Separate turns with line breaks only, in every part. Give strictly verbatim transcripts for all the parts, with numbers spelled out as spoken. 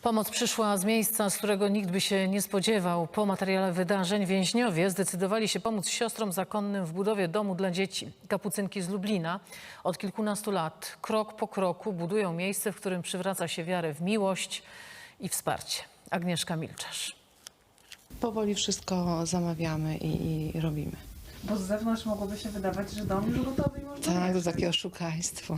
Pomoc przyszła z miejsca, z którego nikt by się nie spodziewał. Po materiale wydarzeń więźniowie zdecydowali się pomóc siostrom zakonnym w budowie domu dla dzieci. Kapucynki z Lublina od kilkunastu lat krok po kroku budują miejsce, w którym przywraca się wiarę w miłość i wsparcie. Agnieszka Milczarz.
Powoli wszystko zamawiamy i, i robimy.
Bo z zewnątrz mogłoby się wydawać, że dom już gotowy i można
Tak, to
jechać.
takie oszukaństwo.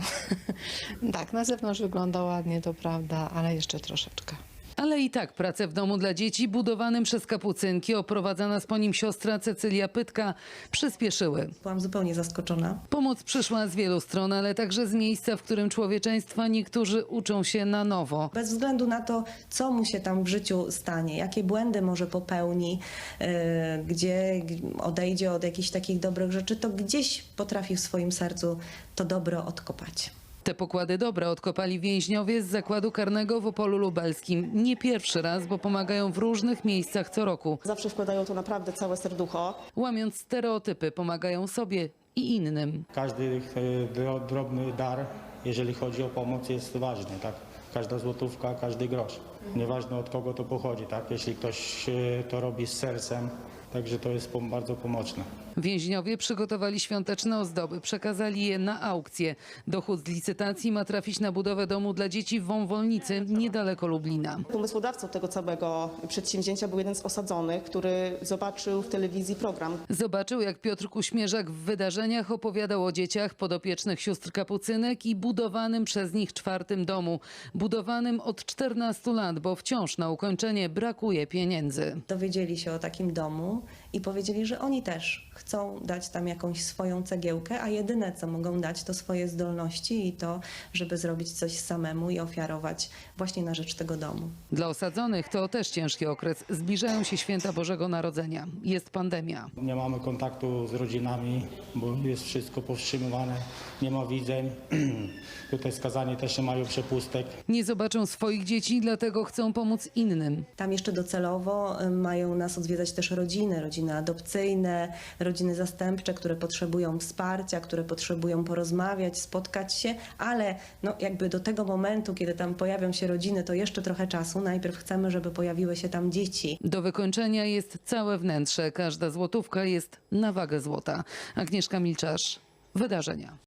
Tak, na zewnątrz wygląda ładnie, to prawda, ale jeszcze troszeczkę.
Ale i tak pracę w domu dla dzieci budowanym przez Kapucynki, oprowadzana z po nim siostra Cecylia Pytka, przyspieszyły.
Byłam zupełnie zaskoczona.
Pomoc przyszła z wielu stron, ale także z miejsca, w którym człowieczeństwa niektórzy uczą się na nowo.
Bez względu na to, co mu się tam w życiu stanie, jakie błędy może popełni, yy, gdzie odejdzie od jakichś takich dobrych rzeczy, to gdzieś potrafi w swoim sercu to dobro odkopać.
Te pokłady dobra odkopali więźniowie z zakładu karnego w Opolu Lubelskim. Nie pierwszy raz, bo pomagają w różnych miejscach co roku.
Zawsze wkładają to naprawdę całe serducho.
Łamiąc stereotypy, pomagają sobie i innym.
Każdy e, drobny dar, jeżeli chodzi o pomoc, jest ważny, tak? Każda złotówka, każdy grosz. Nieważne od kogo to pochodzi, tak? Jeśli ktoś e, to robi z sercem, także to jest pom- bardzo pomocne.
Więźniowie przygotowali świąteczne ozdoby, przekazali je na aukcję. Dochód z licytacji ma trafić na budowę domu dla dzieci w Wąwolnicy, niedaleko Lublina.
Pomysłodawcą tego całego przedsięwzięcia był jeden z osadzonych, który zobaczył w telewizji program.
Zobaczył, jak Piotr Kuśmierzak w wydarzeniach opowiadał o dzieciach podopiecznych sióstr Kapucynek i budowanym przez nich czwartym domu. Budowanym od czternastu lat, bo wciąż na ukończenie brakuje pieniędzy.
Dowiedzieli się o takim domu i powiedzieli, że oni też chcą dać tam jakąś swoją cegiełkę, a jedyne, co mogą dać, to swoje zdolności i to, żeby zrobić coś samemu i ofiarować właśnie na rzecz tego domu.
Dla osadzonych to też ciężki okres. Zbliżają się święta Bożego Narodzenia. Jest pandemia.
Nie mamy kontaktu z rodzinami, bo jest wszystko powstrzymywane, nie ma widzeń. Tutaj skazani też nie mają przepustek.
Nie zobaczą swoich dzieci, dlatego chcą pomóc innym.
Tam jeszcze docelowo y, mają nas odwiedzać też rodziny, rodziny adopcyjne, rodziny zastępcze, które potrzebują wsparcia, które potrzebują porozmawiać, spotkać się, ale no jakby do tego momentu, kiedy tam pojawią się rodziny, to jeszcze trochę czasu. Najpierw chcemy, żeby pojawiły się tam dzieci.
Do wykończenia jest całe wnętrze. Każda złotówka jest na wagę złota. Agnieszka Milczarz, Wydarzenia.